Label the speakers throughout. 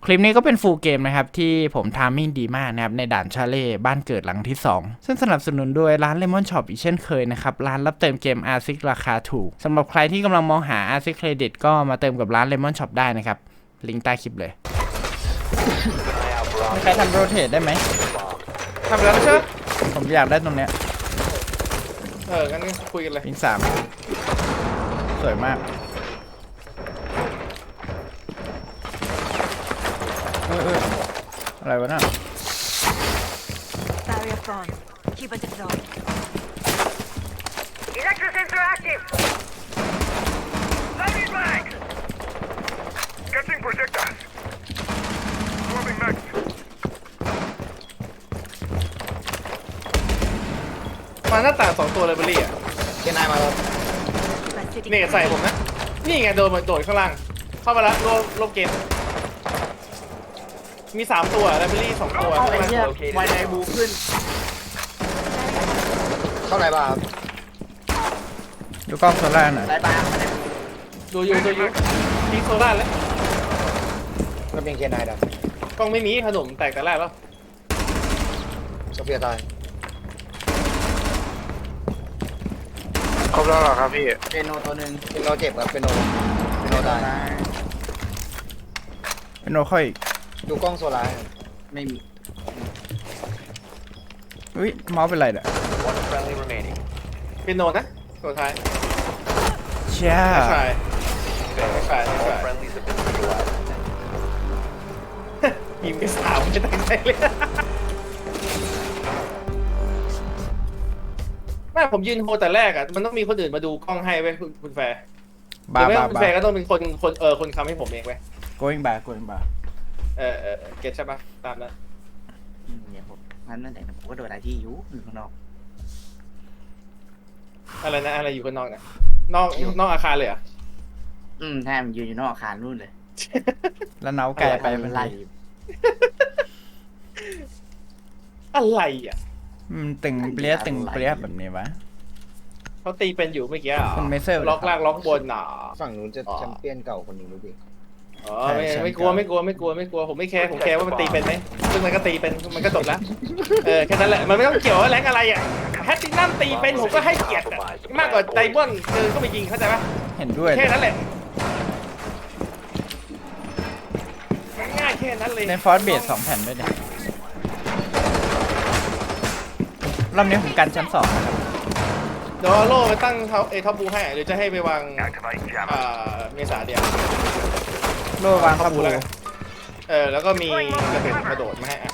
Speaker 1: คลิปนี้ก็เป็นฟูลเกมนะครับที่ผมทามมิ่งดีมากนะครับในด่านชาเล่บ้านเกิดหลังที่ 2ซึ่งสนับสนุนโดยร้าน Lemon Shop อีกเช่นเคยนะครับร้านรับเติมเกม RSIC ราคาถูกสำหรับใครที่กำลังมองหา RSIC Credit ก็มาเติมกับร้าน Lemon Shop ได้นะครับลิงก์ใต้คลิปเลยมีใครทำโรเทตได้ไหม
Speaker 2: ทำแล้วไม่ใช่
Speaker 1: ผมอยากได้ตรงเนี้ย
Speaker 2: งั้นคุยกันเลย
Speaker 1: ลิงก์3สวยมากอะไรวะน่ะ
Speaker 3: Barrier formed. Keep it deployed.
Speaker 4: Electro sensor active. Loading mag. Catching projectiles. Swarming mag.
Speaker 2: มาหน้าต่าง2ตัวเลยเบอร์รี่อ่ะเคนายมาแล้ว
Speaker 3: Requested
Speaker 2: นี่ใส่ผมนะนี่ไงโดดข้างล่างเข้ามาแล้วลบเกมมี3ตัวไลบรารี2ตัวไวไนบูขึ้นเข้าไหนบ้าง
Speaker 1: ดูกล้องโซล่าหน่อย
Speaker 2: ไหนบ้างดูอยู่ทิ้งโซล่าแล้วก็เป็นเคนายดับกล้องไม่มีขนมแตกแต่แรกแล้วโซเฟียตายครบแล้วเหรอครับพี่เป็นโนตัวหนึ่งเป็นโนเจ็บครับเป็นโนตาย
Speaker 1: เป็นโนค่อยอีก
Speaker 2: ดูกล้องโซล่าไม่มี
Speaker 1: อุ้ยเมาส์เป็นไรเนี่ย
Speaker 2: เป็นโนนะตัวท้าย
Speaker 1: เชี่ย
Speaker 2: ไม่ใช่ยิงไป3ไม่ตั้งใจเลยแม่ผมยืนโฮแต่แรกอ่ะมันต้องมีคนอื่นมาดูกล้องให้ไว้คุณแฟร์หรือไม่คุณแฟร์ก็ต้องเป็นคนคำให้ผมเองไว้
Speaker 1: going back
Speaker 2: เก็ตใช่ปะตามนั้น
Speaker 5: เนี่ยผมนั่นแหละผมก็โดนอะไรที่อยู่ข้างนอก
Speaker 2: อะไรนะอะไรอยู่ข้างนอกนะนอกอาคารเลยอ่ะ
Speaker 5: แทมยืนอยู่นอกอาคารนู่นเลย
Speaker 1: แล้วเนาไกลไปเป็นไร
Speaker 2: อะไรอ่ะ
Speaker 1: ตึงเปรี้ยแบบนี้วะ
Speaker 2: เขาตีเป็นอยู่เมื่อกี้
Speaker 1: คุณเมเซอร์
Speaker 2: ล็อกล่างล็อกบนหนา
Speaker 6: ฝั่งนู้นจะแชมเปี้ยนเก่าคนหนึ่งรู้ดิ
Speaker 2: อ๋อไม่กลัวผมไม่แคร์ผมแคร์ว่ามันตีเป็นไหมซึ่งมันก็ตีเป็นมันก็จบแล้วแค่นั้นแหละมันไม่ต้องเกี่ยวว่าแรงอะไรอ่ะแพตตินัมตีเป็นผมก็ให้เกียรติมากกว่าไดมอนด์ก็ไปยิงเข้าใจปะ
Speaker 1: เห็นด้วย
Speaker 2: แค่นั้นแหละง่ายแค่นั้นเลย
Speaker 1: ในฟอร์สเบส2 แผ่นด้วยเนี่ยรอบนี้ผมกันชั้น2นะครับ
Speaker 2: เดี๋ยวโล่ไปตั้งท็อปบูให้หรือจะให้ไปวางเมษาเดียว
Speaker 1: โล่วางท็อปบู
Speaker 2: แล้วก็มีกระโดดมาให้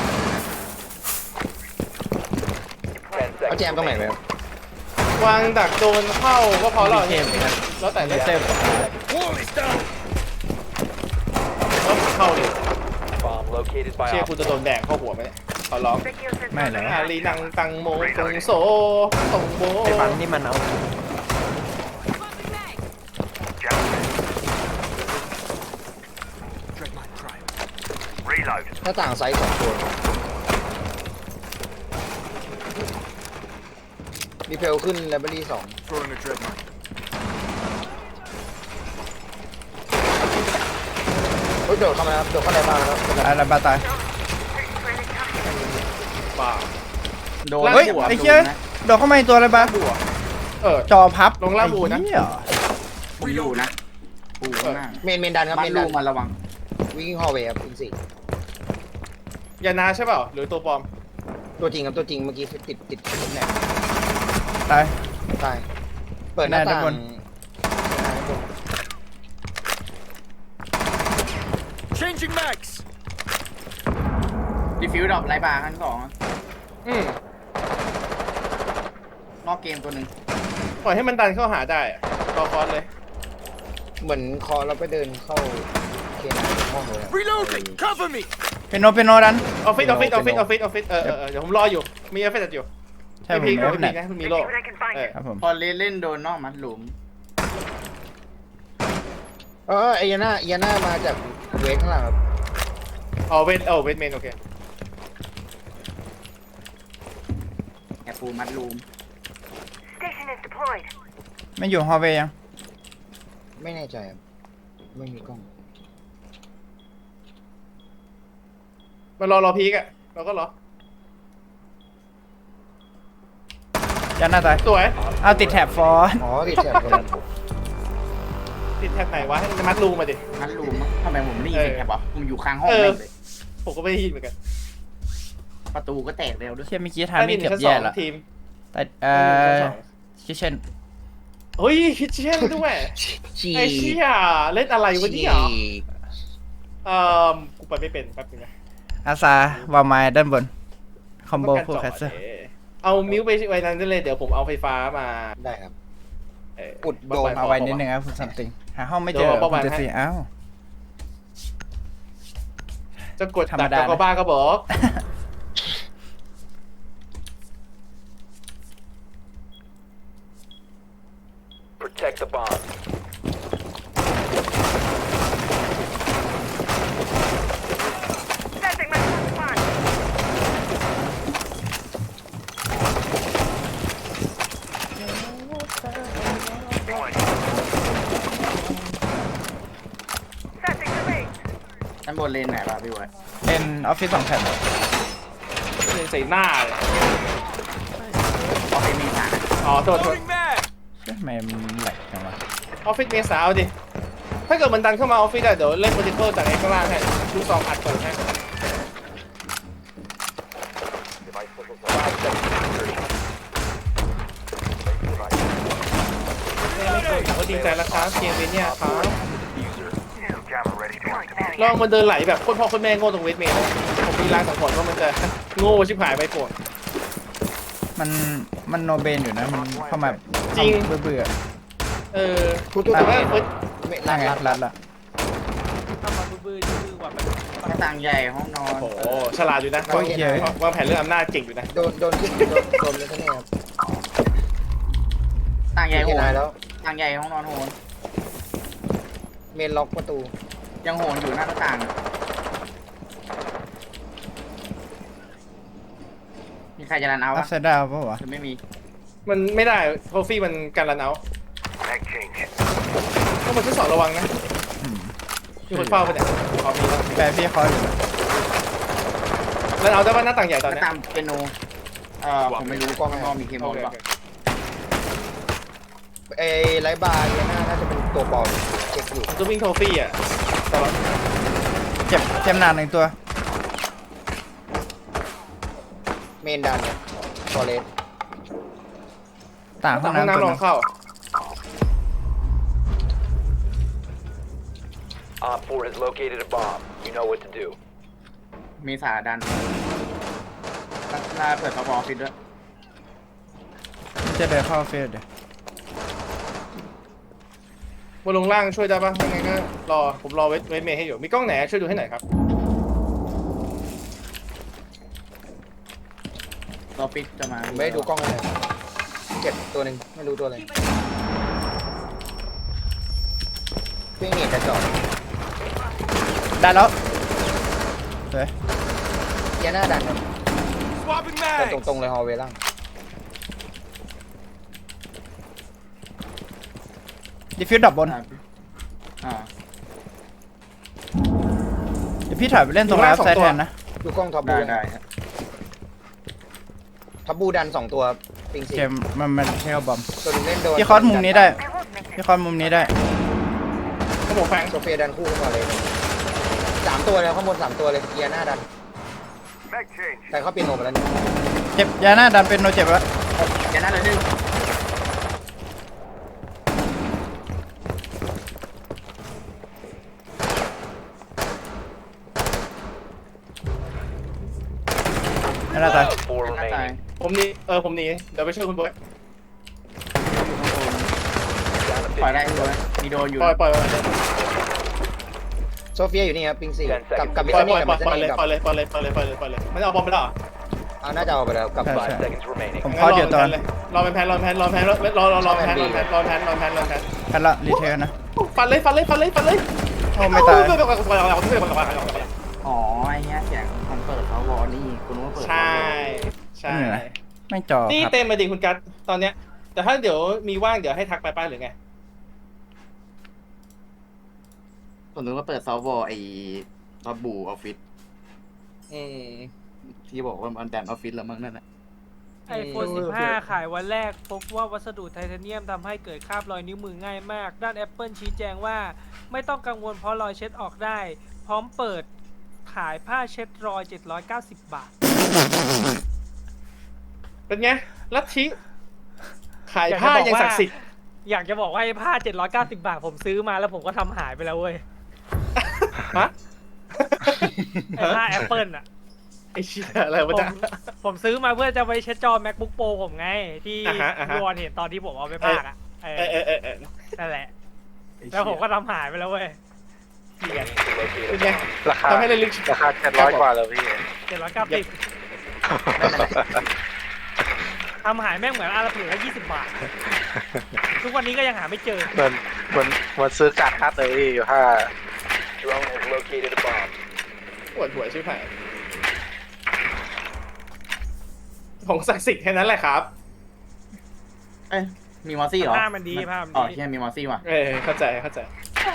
Speaker 6: เอาแจมตรงไหนไหมครับ
Speaker 2: วางดักโดนเข้าก็พอแล้วแล้วแต่
Speaker 1: เลย
Speaker 2: แล้วเข้าเลยเชื่อคุณจะโดนแดงเข้าหัวไหมเนี่ยขอร้อง
Speaker 1: ไม่เลย
Speaker 2: อาลีนังตังโมตงโซตงโม
Speaker 1: ไอ้ฟันนี่มันเอา
Speaker 6: หน้าต่างไซส์2 ตัวมีเพลขึ้นไลบรารี2โดดเข้ามาครับโดดเข้าในบ้านครับ
Speaker 1: อะไรบาตาย
Speaker 2: บ้า
Speaker 1: เฮ้ยไอ้เชี่ยโดดเข้ามาในตัวอะไรบ้าจอพับ
Speaker 2: ลงล่าบูนะ
Speaker 5: ผมอยู่นะปูหน้า
Speaker 6: เมนดันครับเมนดัน
Speaker 5: มาระวัง
Speaker 6: วิ่งฮอลเวย์ครับอินซี
Speaker 2: ยานาใช่เปล่าหรือตัวปลอม
Speaker 6: ตัวจริงครับตัวจริงเมื่อกี้ติดแนบ
Speaker 1: ตาย
Speaker 6: เปิดหน้าต่าง
Speaker 5: Changing mags ดีฟิวดอกไรบาร์ขั้น2นอกเกมตัวหนึ่ง
Speaker 2: ปล่อยให้มันดันเข้าหาได้รอคอนเลย
Speaker 6: เหมือนคอเราไปเดินเข้าเคนายห้องเลย
Speaker 4: Reloading. Cover me.
Speaker 1: เป็นโนดัน
Speaker 2: ออฟฟิศเดี๋ยวผมรออยู่มีออฟฟิศอยู่
Speaker 1: ใช่ผมไม่
Speaker 2: มีนะมีโล
Speaker 1: ครับผม
Speaker 5: พอเล่นโดนนอกมัดหลุม
Speaker 6: ไอยาน่ามาจากเวทข้างหลังครับ
Speaker 2: เวทเมนโอเค
Speaker 5: แอบปูมัดหลุม
Speaker 4: Station is deployed.
Speaker 1: ไม่อยู่ฮอลเวย์ยัง
Speaker 6: ไม่แน่ใจครับไม่มีกล้อง
Speaker 2: มารอพีกอะเราก็รอ
Speaker 1: ยันหน้าตาย
Speaker 2: สวย
Speaker 1: เอาติดแถบฟอส
Speaker 6: อ๋อติดแถบตรงนั้น
Speaker 2: ติดแท็บไหนวะให้มัดรูมาดิ
Speaker 5: งั้นรู้มั้งทำไมผมไม่ได้ยินเสียงแคบวะผมอยู่ข้างห้อง
Speaker 2: เออ
Speaker 5: แม่งเลย
Speaker 2: ผมก็ไม่ได้ยินเหมือนกัน
Speaker 5: ประตูก็แตกเร็วด้วย
Speaker 1: เชี่ยเมื่อกี้ทามิ่งเกือบแย่ละ
Speaker 2: ทีม
Speaker 1: แต่คิเช่น
Speaker 2: เฮ้ยคิดเช่นด้วย
Speaker 5: ฉี
Speaker 2: ไอ้เชี่ยเล่นอะไรวะเนี่ย
Speaker 5: ฉีก
Speaker 2: กูไปไม่เป็นแป๊บนึงนะ
Speaker 1: อาซาวาไมด้านบน คอมโบ
Speaker 2: ต้องการ
Speaker 1: คู่
Speaker 2: จอ
Speaker 1: แค
Speaker 2: ด
Speaker 1: สเซอร์
Speaker 2: เอามิวไปไว้นั้นได้เลยเดี๋ยวผมเอาไฟฟ้ามา
Speaker 6: ได้ครับ
Speaker 2: เอ่อ
Speaker 6: อุดโดม
Speaker 1: เอาไว้นิดนึงครับคุณซัมติงหาห้องไม่เจอคุณจะสีอ้าว
Speaker 2: จะกด
Speaker 1: ธรรม
Speaker 2: ดัก
Speaker 1: ดานะ
Speaker 2: ก็บ้าก็บอก
Speaker 4: Protect the bomb. Setting my response. Setting the range.
Speaker 5: ด้านบนเลนไหนวะพี่บอย
Speaker 1: เป็นออฟฟิศ2แผ่น
Speaker 2: ใส่หน้าเลย
Speaker 5: เอาไปเมษา
Speaker 2: อ๋อโทษ
Speaker 1: เชื่อทำไมมันแหลกจังวะ
Speaker 2: ออฟฟิศเมษาเอาดิ ถ้าเกิดมันดันเข้ามาออฟฟิศได้เดี๋ยวเล่นโปรติโคจากไอ้ข้างล่างให้ดูซองอัดก่อนให้ก็ดีใจแล้วครับเกมเวทเนี่ยครับ
Speaker 4: Jammer ready to activate.
Speaker 2: ลองมันเดินไหลแบบโคตรพ่อโคตรแม่โง่ตรงเวทเมย์นะผมมีรางสังหรณ์ว่ามันจะโง่ชิบหายไปโกรธ
Speaker 1: มันโนเบนอยู่นะ มันเข้ามา
Speaker 2: จริง
Speaker 1: เบื่อ
Speaker 2: เออ
Speaker 6: ทุก
Speaker 2: แต่ว่าเฟิร์ส
Speaker 6: ไม่
Speaker 1: ๆนั่งไงรัดละ
Speaker 5: หน้าต่างใหญ่ห้องนอน
Speaker 2: โอ้โหฉลาดอยู่นะ
Speaker 1: โอ้ยเหี้ย
Speaker 2: วางแผนเรื่องอำนาจเก่งอยู่นะ
Speaker 6: โดนขึ้นโดนเลยท่านนี่ครับ
Speaker 5: ต่างใหญ่โห
Speaker 6: เคน
Speaker 5: น
Speaker 6: แล้ว
Speaker 5: ต่างใหญ่ห้องนอนโหน
Speaker 6: เมนล็อกประตู
Speaker 5: ยังโหนอยู่หน้าต่างมีใครจะรันเอา
Speaker 1: อั
Speaker 5: วะ
Speaker 1: พไซด์ดาวปะวะ
Speaker 5: หรือไม่มี
Speaker 2: มันไม่ได้โทฟี่มันการรันเอา
Speaker 4: Mag change.
Speaker 2: ต้องมาทดสอบระวังนะมีคนเฝ้าไปเนี่ยเอามีแล้ว
Speaker 1: แปลพี่เขาอยู่นะ
Speaker 2: แล้วเอาได้ว่าหน้าต่างใหญ่
Speaker 5: ห
Speaker 2: ตอน
Speaker 5: น้า
Speaker 2: เนี้ย
Speaker 5: ต่างเปียโนผมไม่รู้กล้องข้างนอกมีเคม
Speaker 2: โอ
Speaker 5: อล
Speaker 2: เค
Speaker 5: ป่ะ
Speaker 6: ไอ้ไลท์บาร์เนี่ยน่าจะเป็นตัวปลอมเช็คอยู่
Speaker 2: จะวิ่งโทฟี่อ่ะตลอด
Speaker 1: เจ็บหนาหนึ่งตัว
Speaker 6: เมนดันฟอเรส
Speaker 1: ต่างห้อง
Speaker 2: ห้อง
Speaker 1: น้ำตัว
Speaker 2: น้ำล
Speaker 1: นึ
Speaker 2: อง
Speaker 1: ง
Speaker 2: เข้า
Speaker 4: Op 4 has located a bomb. You know what to do.
Speaker 5: เมษาดันลาเปิดพอฟิตด้วย
Speaker 1: จะเดินเข้าเฟสเดี๋ยว
Speaker 2: บนลงล่างช่วยได้ปะยังไงก็รอผมรอเวทเมย์ให้อยู่มีกล้องไหนช่วยดูให้หน่อยครับ
Speaker 5: รอฟิตจะมา
Speaker 6: ผมไม่ได้ดูกล้องเลยเจ็บตัวหนึ่งไม่รู้ตัวอะไรเพิ่งเน็ตกระจอก
Speaker 1: ได้แล้วสวย
Speaker 6: เกียร์หน้าดันครับเดินตรงๆเลยฮอลเวย์ล่าง
Speaker 1: ดิฟิวดับบน
Speaker 5: อ่า
Speaker 1: เดี๋ยวพี่ถอยไปเล่นตรงรับไซด์แทนนะ
Speaker 6: ดูกล้องท็อปบู
Speaker 5: ได้
Speaker 6: ท็อปบูดัน2ตัวปิงสี่
Speaker 1: เกมมันเทลบอม
Speaker 6: ตัวหนึงเล่นโดน
Speaker 1: พี่คอสมุมนี้ได้
Speaker 4: I won't make
Speaker 1: พี่คอสมุมนี้ได้
Speaker 2: ขโมยแฟง
Speaker 6: โซเฟียดันคู่ขึ้นมาเลย3ตัวเลยข้างบน3ตัวเลยเกียร์หน้าดัน
Speaker 4: Mag change.
Speaker 6: แต่เขาเปลี่ยนโหนไปแล้วนี่
Speaker 1: เจ็บยาหน้าดันเป็นโนเจ็บแล้ว
Speaker 5: แกนั่นเลยนึง
Speaker 1: ไม่น่าตาย
Speaker 4: 4
Speaker 5: หน้าตาย
Speaker 4: remaining.
Speaker 2: ผมหนีผมหนีเดี๋ยวไปช่วยคุณบอย
Speaker 5: ปล่อยได้ด้วยมีโดนอยู่
Speaker 2: ปล่อย
Speaker 6: โซเฟียอยู่นี่ครับปิงสี่กับ
Speaker 2: ป
Speaker 6: มิ
Speaker 2: ล่
Speaker 6: ส
Speaker 2: อย
Speaker 6: เน่กับมิส
Speaker 2: ปล่อย
Speaker 6: เน่
Speaker 2: เลย
Speaker 6: กับ
Speaker 2: ปล่อยเลยปล่อยเลยปล่อยเลยปล่อยเลยปล่อยเลยมันเอาบอมไปแล้วเหรอ
Speaker 6: เอาน่าจะเอาไปแล้วกับ
Speaker 1: ใช่
Speaker 4: 5
Speaker 1: ใช่
Speaker 4: seconds remaining.
Speaker 1: ผมคอสอยู่ตอน
Speaker 2: รอเป็นแพนรอแพนรอแพนรอแพนรอแพน
Speaker 1: กันละรีเทลนะ
Speaker 2: ฟันเลย
Speaker 1: โอ้ไม่ตาย
Speaker 5: อ๋อไอ้เนี้ยเสียงมันเปิดเขาวอนี่คุณว่าเปิด
Speaker 2: ใช่ใช่
Speaker 1: นี่ไงไม่จอ
Speaker 2: นี่
Speaker 1: ครับ
Speaker 2: เต็มมาดิคุณกัสตอนเนี้ยแต่ถ้าเดี๋ยวมีว่างเดี๋ยวให้ทักไปป้าหรือไง
Speaker 5: ผมนึกว่าเปิดซอฟต์วอลไอ้รอบบูออฟฟิศ
Speaker 2: อืม
Speaker 5: ที่บอกว่ามันแดนออฟฟิศแล้วมั้งนั่นแหละ
Speaker 7: iPhone 15 ขายวันแรกพบว่าวัสดุไทเทเนียมทำให้เกิดคราบรอยนิ้วมือง่ายมาก ด้าน Apple ชี้แจงว่าไม่ต้องกังวลเพราะรอยเช็ดออกได้ พร้อมเปิดขายผ้าเช็ดรอย 790 บาท
Speaker 2: เป็นไงลัทธิขายผ้ายังศักดิ์สิทธิ์
Speaker 7: อยากจะบอกว่าไอ้ผ้า 790 บาท ผมซื้อมาแล้วผมก็ทำหายไปแล้วเว้ย
Speaker 2: ฮะ
Speaker 7: ไอ้ผ้า Apple อ่ะ
Speaker 2: ไอ้เชี่ยอะไรวะ
Speaker 7: ผม
Speaker 2: จ๊ะ
Speaker 7: ผมซื้อมาเพื่อจะไปเช็ดจอ MacBook Pro ผมไง ที่
Speaker 2: อ่าฮะ
Speaker 7: พี่วอนเห็นตอนที่ผมเอาไปพากอ่ะเอ
Speaker 2: เอ
Speaker 7: อ
Speaker 2: อเออเออเออ
Speaker 7: นั่นแหละ แล้วผมก็ทำหายไปแล้วเว้ย
Speaker 2: เป็นไง
Speaker 8: ราคา
Speaker 2: ทำให้ระลึก
Speaker 8: ราคา700 กว่าแล้วพี่
Speaker 7: 790ทำหายแม่งเหมือนอาราผืนละ20 บาท ทุกวันนี้ก็ยังหาไม่เจอ
Speaker 8: เหมือนซื้อการ์ดคัดเลยพี่ถ้า
Speaker 4: Drone has located a bomb.
Speaker 2: ปวดหัวชิบหายของศักดิ์สิทธิ์แค่นั้นแหละครับ
Speaker 5: เอ้ยมีมอสซี่เหรอ
Speaker 7: ภาพมันดีภาพมันดี
Speaker 5: อ๋อใช่มีมอสซี่ว่ะ
Speaker 2: เออเข้าใจเข้าใจ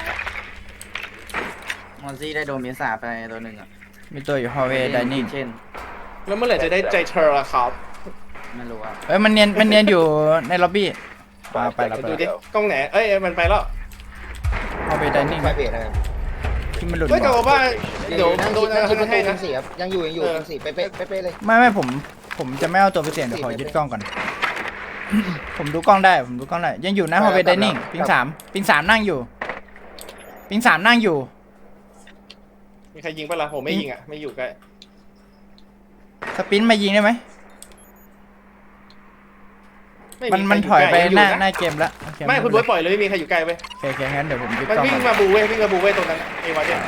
Speaker 5: มอสซี่ได้โดนเมซ่าไปตัวหนึ่งอ่ะ
Speaker 1: มีตัวอยู่ฮอลเวย์ไดนิ่ง
Speaker 5: เช่น
Speaker 2: แล้วเมื่อไหร่จะได้ใจเธอละครับ
Speaker 5: ไม่รู้อ่ะ
Speaker 1: เอ้ยมันเนียนอยู่ในล็อบบี้ไปแล้ว
Speaker 2: ดูดิกล้องไหนเอ้ยมันไปแล้ว
Speaker 1: ฮอลเวย์ไดนิ่ง
Speaker 6: ไฟเบรดนะครับ
Speaker 1: ที่มันหลุด
Speaker 2: เฮ้ยแต่ว่าเดี๋ยว
Speaker 6: นั่ง
Speaker 2: โด
Speaker 6: คิด
Speaker 2: น
Speaker 6: นั่งคิดประ
Speaker 2: ให้
Speaker 6: ตู
Speaker 2: นะ
Speaker 6: สี่ครับยังอยู่สี่เป๊ะเป๊ะเลย
Speaker 1: ไม่ผมจะไม่เอาตัวไปเสี่ยงเดี๋ยวขอยึดกล้องก่อน ผมดูกล้องได้ยังอยู่นะฮอลเวย์ไดนิ่งปิงสามนั่งอยู่
Speaker 2: มีใครยิงปะล่ะผมไม่ยิงอ่ะไม่อยู่ใกล้
Speaker 1: สปินมายิงได้ไหม มัน
Speaker 2: ใคร
Speaker 1: ถอยไป
Speaker 2: ใกล้
Speaker 1: หน้าเกมแล้วโอเค
Speaker 2: ไม่คุณบ๊วยปล่อยเลยไม่มีใครอยู่ใกล้เว้ย
Speaker 1: โอเคงั้นเดี๋ยวผมยึด
Speaker 2: มัน
Speaker 1: กล้อง
Speaker 2: วิ่ง
Speaker 1: ก่อน
Speaker 2: มาบูเว้ยตรงนั้นไอ้วะเนี่ย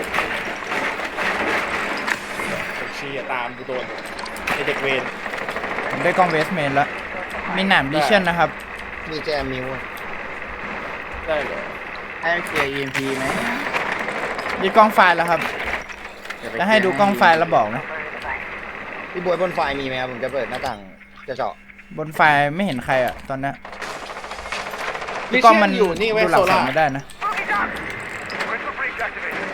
Speaker 2: เชียตามกูโดนไอ้เด็กเวร
Speaker 1: ผมได้กล้องเวสเมนแล้วมีหนามดิชั่นนะครับ
Speaker 6: มีแจมมิว
Speaker 2: ได้เลย
Speaker 5: ให้เคลียร์ EMP ไหม
Speaker 1: ยึดกล้องไฟล์แล้วครับจะให้ดูกล้องไฟล์แล้วบอกนะ
Speaker 6: พี่บวยบนไฟมีไหมครับผมจะเปิดหน้าต่างจะเจาะ
Speaker 1: บนไฟล์ไม่เห็นใครอ่ะตอนนี้
Speaker 2: ลิ
Speaker 1: กล้
Speaker 2: เชี
Speaker 1: อง
Speaker 2: ย
Speaker 1: มัน
Speaker 2: นอยู่นี่เว้ย
Speaker 1: ดูหลั
Speaker 2: โซ
Speaker 1: ง
Speaker 2: ล่า
Speaker 1: ไม่ได้นะ
Speaker 4: Crystal breach activated.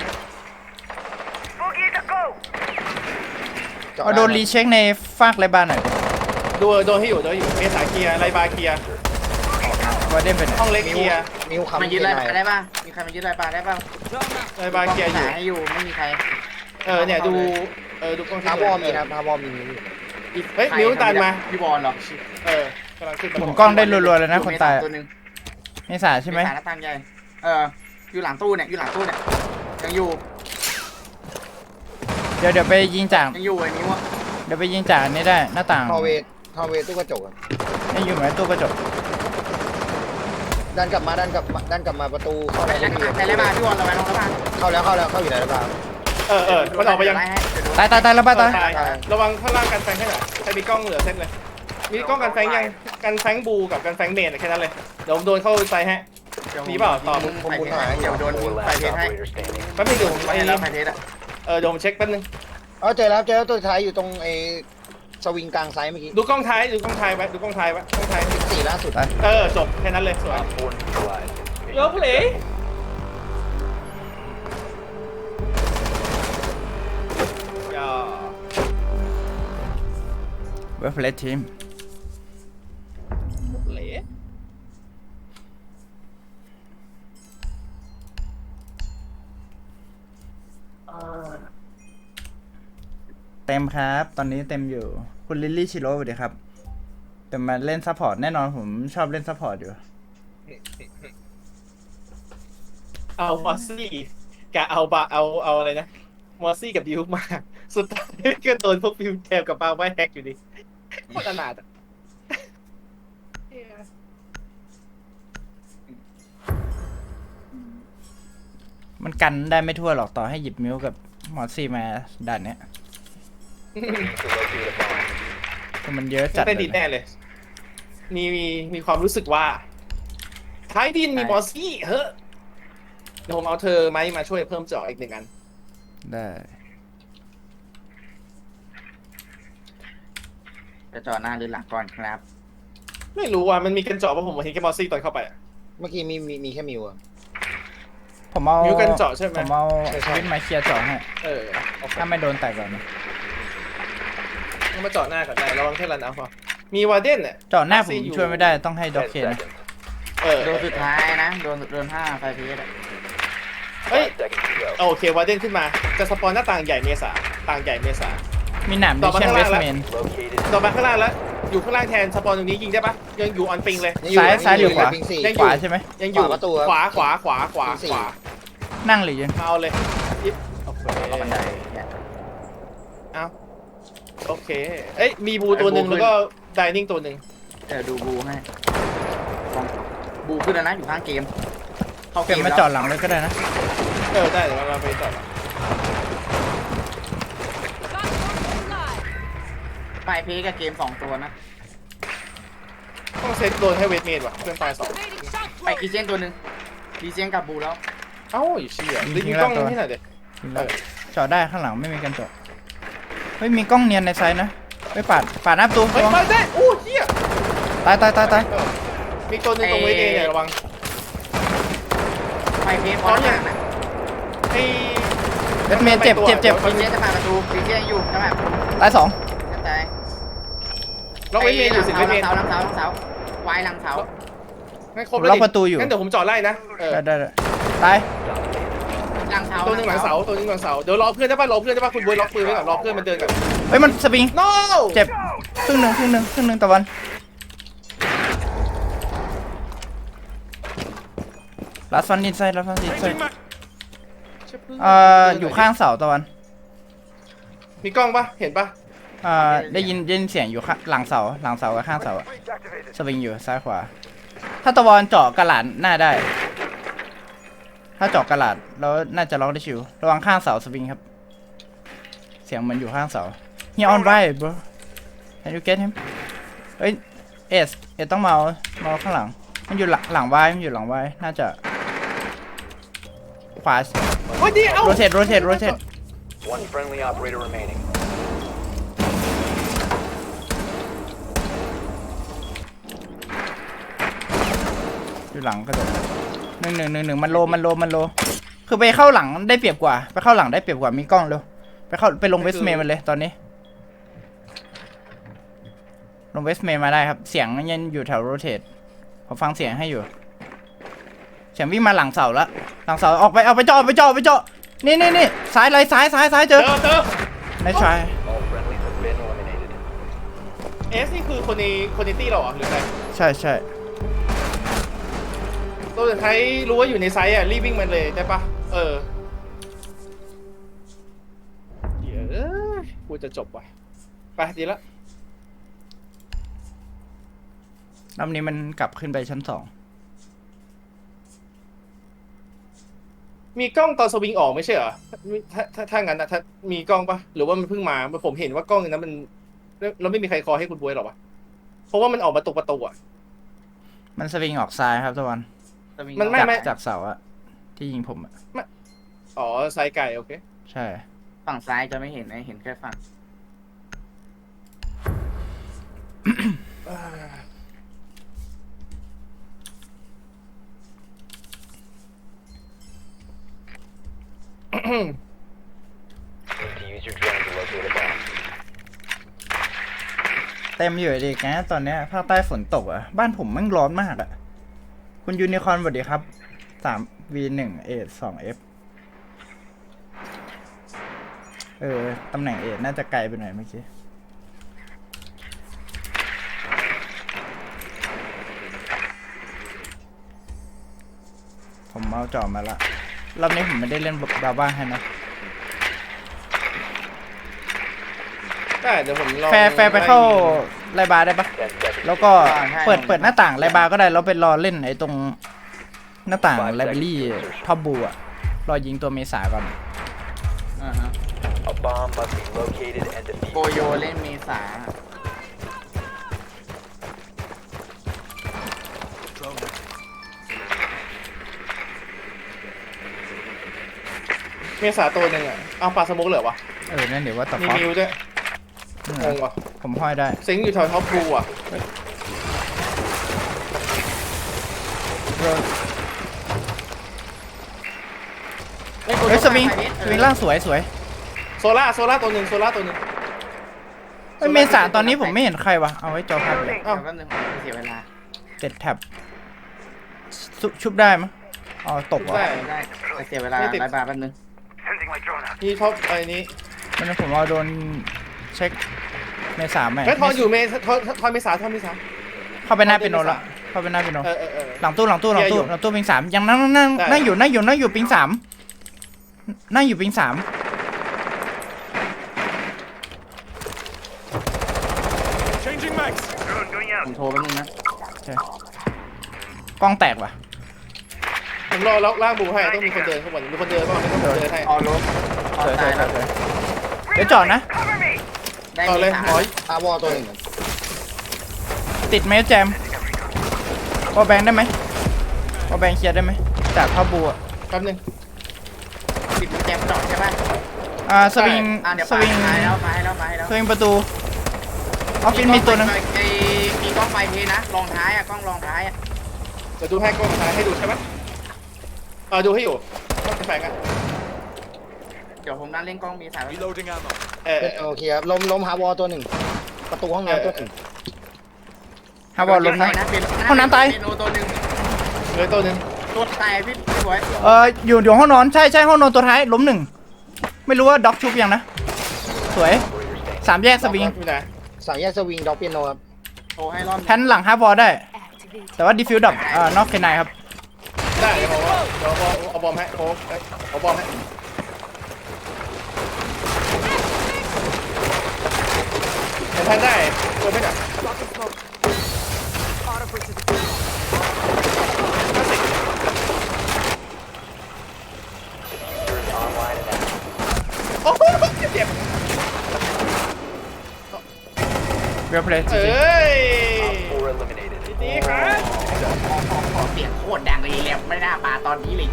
Speaker 4: Boogie to go.
Speaker 6: เจาะ
Speaker 1: เอาโดนรีเช็คในฟากไรบ้านหน่อย
Speaker 2: โดนให้อยู่เมษาเคลียร์ไรบาเคลียร์
Speaker 1: ว่าเด่นไปไหน
Speaker 2: ห้องเล็กเคลียร์
Speaker 6: มิวคำ
Speaker 5: มายึดไรปลาได้ป่ะมีใครมายึดไรปลาได้ป่ะ
Speaker 2: ไรบาเคลียร์อยู่
Speaker 5: ให้อยู่ไม่มีใคร
Speaker 2: เนี่ยดูดูกล้อง
Speaker 6: ทาวอมีครับทาวอมี
Speaker 2: เฮ้ยนิ้วตันมา
Speaker 5: พี่บอลเหรอก
Speaker 2: ำลังขึ้น
Speaker 1: หมุนกล้องได้รัวๆเลยนะคนตาย
Speaker 5: ตัวหนึง
Speaker 1: เมษาใช่ไหม
Speaker 5: เสาหน้าต่างใหญ่อยู่หลังตู้เนี่ยยังอยู่
Speaker 1: เดี๋ยวไปยิงจาก
Speaker 5: ยังอยู่ไอ้นิ้วอ่ะ
Speaker 1: เดี๋ยวไปยิงจากอันนี้ได้หน้าต่าง
Speaker 6: ทาวเวตู้กระจก
Speaker 1: นี่อยู่เหมือนตู้กระจก
Speaker 6: ดันกลับมาประตูเข้า
Speaker 5: ใคร
Speaker 6: แล้ว
Speaker 5: ไล่มาพี่บอลระวังน้องระวัง
Speaker 6: เข้าอยู่ไหนหรือเปล่า
Speaker 2: มันออกไปยัง
Speaker 1: ตายแล้วป้าตาย
Speaker 2: ระวังข้างล่างกันแฟงให้หน่อยใครมีกล้องเหลือเซตเลยมีกล้องกันแฟงยังกันแฟงบูกับกันแฟงเมนแค่นั้นเลยเดี๋ยวผมโดนเข้าไปฮะ มีเปล่าตอบ
Speaker 5: ผมบุญหายเดี๋ยวโดน
Speaker 4: Four
Speaker 5: ไฟ
Speaker 4: last
Speaker 5: เทสให้
Speaker 4: operator standing.
Speaker 2: แป๊บนึงเดี๋ยวผม
Speaker 5: ไฟ
Speaker 2: ไอ้
Speaker 5: แล้วไฟเทสอ่ะ
Speaker 2: เดี๋ยวผมเช็คแป๊บนึง
Speaker 6: เจอแล้วตัวท้ายอยู่ตรงไอ้สวิงกลางไซส์เมื่อกี้
Speaker 2: ดูกล้องท้ายไว้กล้องท้ายกล้องท้าย
Speaker 6: 4ล่าสุด
Speaker 2: จบแค่นั้นเลยสวย
Speaker 4: Op 4 neutralized.
Speaker 2: เยอะเลย
Speaker 1: เวฟเลสทีม
Speaker 2: เหละ
Speaker 1: เต็มครับ ตอนนี้เต็มอยู่คุณลิลลี่ชิโร่สวัสดีครับแต่มาเล่นซัพพอร์ตแน่นอนผมชอบเล่นซัพพอร์ตอยู่
Speaker 2: เอามอสซี่กับเอาอะไรนะมอสซี่กับดิวมาสุดท้ายก็โดนพวกฟิวแทมกับปาไว้แฮกอยู่ดีโคตรอนาถอ่ะ
Speaker 1: มันกันได้ไม่ทั่วหรอกต่อให้หยิบมิวกับมอสซี่มาด่านเนี้ย
Speaker 4: To locate a bomb.
Speaker 1: คือมันเยอะจัด
Speaker 2: เป็นดี
Speaker 1: เลย
Speaker 2: แน่เลย มีความรู้สึกว่าท้ายดินมีมอสซี่เฮ้ยเดี๋ยวผมเอาเธอไหมมาช่วยเพิ่มเจาะอีกหนึ่งอัน
Speaker 1: ได้
Speaker 5: จะจอดหน้าหรือหลังก่อนครับ
Speaker 2: ไม่รู้ว่ามันมีกันเจาะเพราะผมเห็นแค่มอสซี่ตอนเข้าไปอะ
Speaker 6: เมื่อกี้มีแค่มิว
Speaker 1: ผมเอา
Speaker 2: มิวกันเจาะใช่ไหม
Speaker 1: ผมเอาวินมาเคลียร์เจาะให้
Speaker 2: โอเค
Speaker 1: ถ้าไม่โดนแตกก่อนนะ
Speaker 2: ต้องมาเจาะหน้าก่อนได้ระวังแค่รันเอาพอมีวาร์เดนเนี่ย
Speaker 1: เจาะหน้าผมช่วยไม่ได้ต้องให้ด็อก
Speaker 4: 10
Speaker 1: เคนนะ
Speaker 4: seconds.
Speaker 5: โดนสุดท้ายนะโดน5ไฟพีส
Speaker 2: เฮ้ย
Speaker 4: 5 seconds to go.
Speaker 2: โอเควาร์เดนขึ้นมาจะสปอนหน้าต่างใหญ่เมษาต่างใหญ่เมษา
Speaker 1: มีหนาม
Speaker 2: ต่
Speaker 1: ดิ
Speaker 2: อมา
Speaker 1: เชน
Speaker 2: ข้าง
Speaker 1: เว
Speaker 2: ล่าง
Speaker 1: ส
Speaker 2: แล้ว
Speaker 1: เมน
Speaker 4: Located.
Speaker 2: ต่อมาข้างล่างแล้วอยู่ข้างล่างแทนสปอนตรงนี้ยิงได้ปะยังอยู่ออนปิงเลย
Speaker 1: ซ้ายหรือขวา
Speaker 6: ปิงสี่
Speaker 2: ยัง
Speaker 1: ขวาใช่ไหม
Speaker 2: ยังอยู่
Speaker 6: ขวาประตู
Speaker 2: ขวาขวาขวาขวา
Speaker 6: ปิงสี่
Speaker 2: ขวา
Speaker 1: นั่งหรือยืน
Speaker 2: เอาเลยยิบโอเค
Speaker 5: บันไดเนี่ย
Speaker 2: เอาโอเคเอ้ยมีบูตัวหนึ่ง
Speaker 5: บูขึ้
Speaker 2: แล้
Speaker 5: น
Speaker 2: วก็ไดนิ่งตัวหนึ่ง
Speaker 5: เดี๋ยวดูบูให้บูขึ้นแล้วนะอยู่ข้างเกมเข้า
Speaker 1: เป
Speaker 5: เก
Speaker 1: ลี่ยน
Speaker 5: ม
Speaker 1: มา
Speaker 5: แล้ว
Speaker 1: จอดหลังเลยก็ได้นะ
Speaker 2: ได้เดี๋ยวเราไปต่อ
Speaker 5: ไฟพีสกับเกม2ตัวนะ
Speaker 2: ต้องเซตโดนให้เวทเมดว่ะเพื่อนตายสอง
Speaker 5: ไปกีเจนตัวหนึ่งกีเจนกับบูแล้ว
Speaker 2: เอ้าไอ้เชี่ยรีบยิงกล้องให้หน่อยเด็
Speaker 1: จอดได้ข้างหลังไม่มีการจอดเฮ้ยมีกล้องเนียนในไซส์นะไปปาดหน้าประตู
Speaker 2: เฮ้ย
Speaker 1: ระวัง
Speaker 2: มาได้อู้เชี่ย
Speaker 1: ตาย
Speaker 2: มีตัวหนึ่งตรงเวทเอเนี่ยระวัง
Speaker 5: ไฟพีสพร้อมอย่างนะ
Speaker 2: ไอ้
Speaker 1: เวสเมนเจ็บ
Speaker 5: กีเจนจะผ่านประตูกีเจนอยู่จะผ่านประตู
Speaker 1: ตายสอง
Speaker 5: จะตาย
Speaker 2: ล็อกเวทเมนอยู่สิเวทเมน
Speaker 5: หลังเสาวายหลังเสา
Speaker 2: ไม่ครบแล้วงั้นเดี๋ยวผมจอดไล่นะ
Speaker 1: ได้ตาย
Speaker 5: หลังเสา
Speaker 2: ตัวหนึ่งหลังเสาตัวหนึ่งหลังเสาเดี๋ยวรอเพื่อนได้ป่ะรอเพื่อนได้ป่ะคุณบวยล็อกปืนไว้ก่อนรอเพื่อนมันเดินก่อน
Speaker 1: เฮ้ยมันสปริง
Speaker 2: no
Speaker 1: เจ็บครึ่งหนึ่งตะวันลาสฟันดินไซด์อยู่ข้างเสาตะวัน
Speaker 2: มีกล้องป่ะเห็นป่ะ
Speaker 1: ได้ยินเสียงอยู่หลังเสากับข้างเสาสวิงอยู่ซ้ายขวาถ้าตะวันเจาะกระหลาดหน้าได้ ถ้าเจาะกระหลาดแล้วน่าจะล็อกได้ชิวระวังข้างเสาสวิงครับเสียงเหมือนอยู่ข้างเสา He on right bro Can you get him เอ้ยเอสต้องมาข้างหลังมันอยู่หลังไว้น่าจะขวา
Speaker 2: โอ้ยดีเอ้า
Speaker 1: rotate
Speaker 4: One friendly operator remaining.
Speaker 1: อยู่หลังก็โดดหนึ่งมันโลคือไปเข้าหลังได้เปรียบกว่ามีกล้องเร็วไปลงเวสเมย์มันเลยตอนนี้ลงเวสเมย์มาได้ครับเสียงยังอยู่แถวโรเทตผมฟังเสียงให้อยู่เสียงวิ่งมาหลังเสาแล้วหลังเสาออกไปเจาะนี่ซ้ายเลยซ้ายเจอในชาย
Speaker 4: All friendlies have been eliminated.
Speaker 2: เอสนี่คือคนในตี้เราเหรอหรือไง
Speaker 1: ใช่
Speaker 2: ตัวสุดท้ายรู้ว่าอยู่ในไซส์อ่ะรีบวิ่งมันเลยได้ป่ะเดี๋ยวกูจะจบว่ะไปดีละ
Speaker 1: รอบนี้มันกลับขึ้นไปชั้น2
Speaker 2: มีกล้องตอนสวิงออกไม่ใช่เหรอถ้างั้นนะถ้ามีกล้องป่ะหรือว่ามันเพิ่งมาผมเห็นว่ากล้องนั้นมันเราไม่มีใครคอให้คุณบวยหรอวะเพราะว่ามันออกมาตรงประตูอ่ะ
Speaker 1: มันสวิงออกซ้ายครับตะวัน
Speaker 2: มันไม่
Speaker 1: จากเสาอะที่ยิงผมอะ
Speaker 2: อ๋อไซส์ไก่โอเค
Speaker 1: ใช่
Speaker 5: ฝั่งซ้ายจะไม่เห็นนะเห็นแค่ฝั่ง
Speaker 4: Need to use your drone to locate a bomb.
Speaker 1: เต็มอยู่ดีนะตอนเนี้ยภาคใต้ฝนตกอะบ้านผมแม่งร้อนมากอะคุณยูนิคอร์นสวัสดีครับ3v1 A2F ตำแหน่ง A น่าจะไกลไปหน่อยเมื่อกี้ผมเอาจอมาละรอบนี้ผมไม่ได้เล่นบาบ้าให้นะ
Speaker 2: ได้เดี๋ยวผมลอง
Speaker 1: แฟร์ไปเข้าไลบาร์ได้ปะ
Speaker 4: 10 seconds.
Speaker 1: แล้วก็เปิดหน้าต่างไลบาร์ก็ได้แล้วไปรอเล่นไอ้ตรงหน้าต่างไลบรารีท็อปบูอะรอยิงตัวเมษาก่อน
Speaker 4: A bomb must be located and
Speaker 5: โก
Speaker 4: defused.
Speaker 5: โยเล่นเมษา
Speaker 2: เมษาตัวหนึ่งอ่ะเอาปลาสมุกเหรอวะ
Speaker 1: นั่นเดี๋ยวว่าต่อ
Speaker 2: มี
Speaker 1: ฟอส
Speaker 2: มิวด้วยงงว่ะ
Speaker 1: ผมห้อยได้
Speaker 2: ซิงค์อยู่แถวท็อปบูอ่ะ
Speaker 1: รเฮ้ยสวิงล่างสวย
Speaker 2: โซล่าตัวหนึ่ง
Speaker 1: เฮ้ยเมษาตอนนี้ผมไม่เห็นใครวะเอาไว้จอพับเลย
Speaker 5: เอ้าแป๊บนึงเสียเวลา
Speaker 1: 7 แท็บชุบได้มั้ยอ๋อตกเหรอ
Speaker 2: ได้
Speaker 5: ได้แต่เสียเวลาหลายบาทแป๊บนึง
Speaker 2: นี่ท็อปไอ้นี้
Speaker 1: งั้นผมเอาโดนเช็คเมษาไหม
Speaker 2: เฮ้ยทอนอยู่ทอนเมษา
Speaker 1: เข้าไปหน้าเป็นโนละเข้าไปหน้าเป็นโน
Speaker 2: เออ
Speaker 1: หลังตู้ปิง3ยังนั่งอยู่ปิง3นั่งอยู่ปิง3
Speaker 5: ผมโทรแป๊บนึงนะ
Speaker 1: กล้องแตกว่ะ
Speaker 2: ผมรอล็อกล่างบูให้ต้องมีคนเดินเข้ามามีคนเดินบ้างไม่ต้องเดินให้
Speaker 5: ออรถออตายแล้ว
Speaker 1: เดี๋ยวจอดนะ
Speaker 5: ได้
Speaker 2: ต่อเลย
Speaker 5: สาม
Speaker 2: หมอย
Speaker 6: อาวอตัวหนึ่ง
Speaker 1: ติดไหมแจมวอลแบงได้ไหมวอลแบงเคลียร์ได้ไหมจากพ่อบัว
Speaker 2: แป๊บนึง
Speaker 5: ปิดแจมดอกใช่ป่ะ
Speaker 1: สวิง
Speaker 5: เดี๋ยว
Speaker 1: สวิง
Speaker 5: มาให้แล้ว
Speaker 1: สวิงประตูออฟฟิศมีตัวนึง
Speaker 5: มีกล้องไฟเทนะรองท้ายกล้องรองท้าย
Speaker 2: เดี๋ยวดูให้กล้องถ่ายให้ดูใช่ไหมดูให้อยู่ต้องแฝงอ่ะ
Speaker 5: เดี๋ยวผมนั่งเล่นกล้องมีสาย
Speaker 6: โอเคครับล้มหาวอตัวหนึ่งประตูห้องน้ำตัวหนึ่ง
Speaker 1: ฮาวอลลงนะ ห้องน้ำตาย
Speaker 5: เป็นโอตัวหนึ่ง
Speaker 2: เหลือตัวหนึ่ง
Speaker 5: ตัวตายพี่บอย
Speaker 1: อยู่ห้องนอนใช่ห้องนอนตัวท้ายล้ม1ไม่รู้ว่าด็อกชุบยังนะสวย3แยกสวิง
Speaker 2: อยู่ไหน
Speaker 6: สายแยกสวิงด็อกเปียโนครับ
Speaker 5: โทรให้รอบ
Speaker 1: แพนหลังฮาร์บอลได้
Speaker 3: Activate.
Speaker 1: แต่ว่าดีฟิวดับนอกเคนายครับ
Speaker 2: ได้เดี๋ยวผมเอาบอมให้เอาบอมให้เห็นแพนได้ตัวไม่ได้ โอ้โหเจ็บ
Speaker 1: เวลเพลย์
Speaker 2: เอ้ย
Speaker 4: 4 eliminated.
Speaker 2: ดีครับ
Speaker 5: ขอเสียงโคตรดังเลยแล้วไม่น่ามาตอนนี้เลย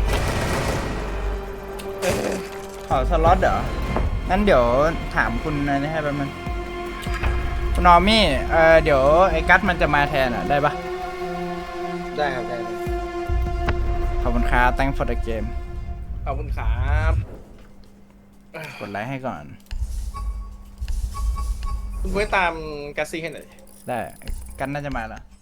Speaker 1: ขอสล็อตเหรองั้นเดี๋ยวถามคุณนะให้แป๊บนึงคุณนอมี่เดี๋ยวไอ้กัสมันจะมาแทนได้ปะ
Speaker 6: ได้ครับได้
Speaker 1: ขอบคุณครับ thank for the game
Speaker 2: ขอบคุณครับ
Speaker 1: กดไลค์ให้ก่อน
Speaker 2: คุณไว้ตามแกสซี่ให้หน่อย
Speaker 1: ได้กันน่าจะมาแล้ว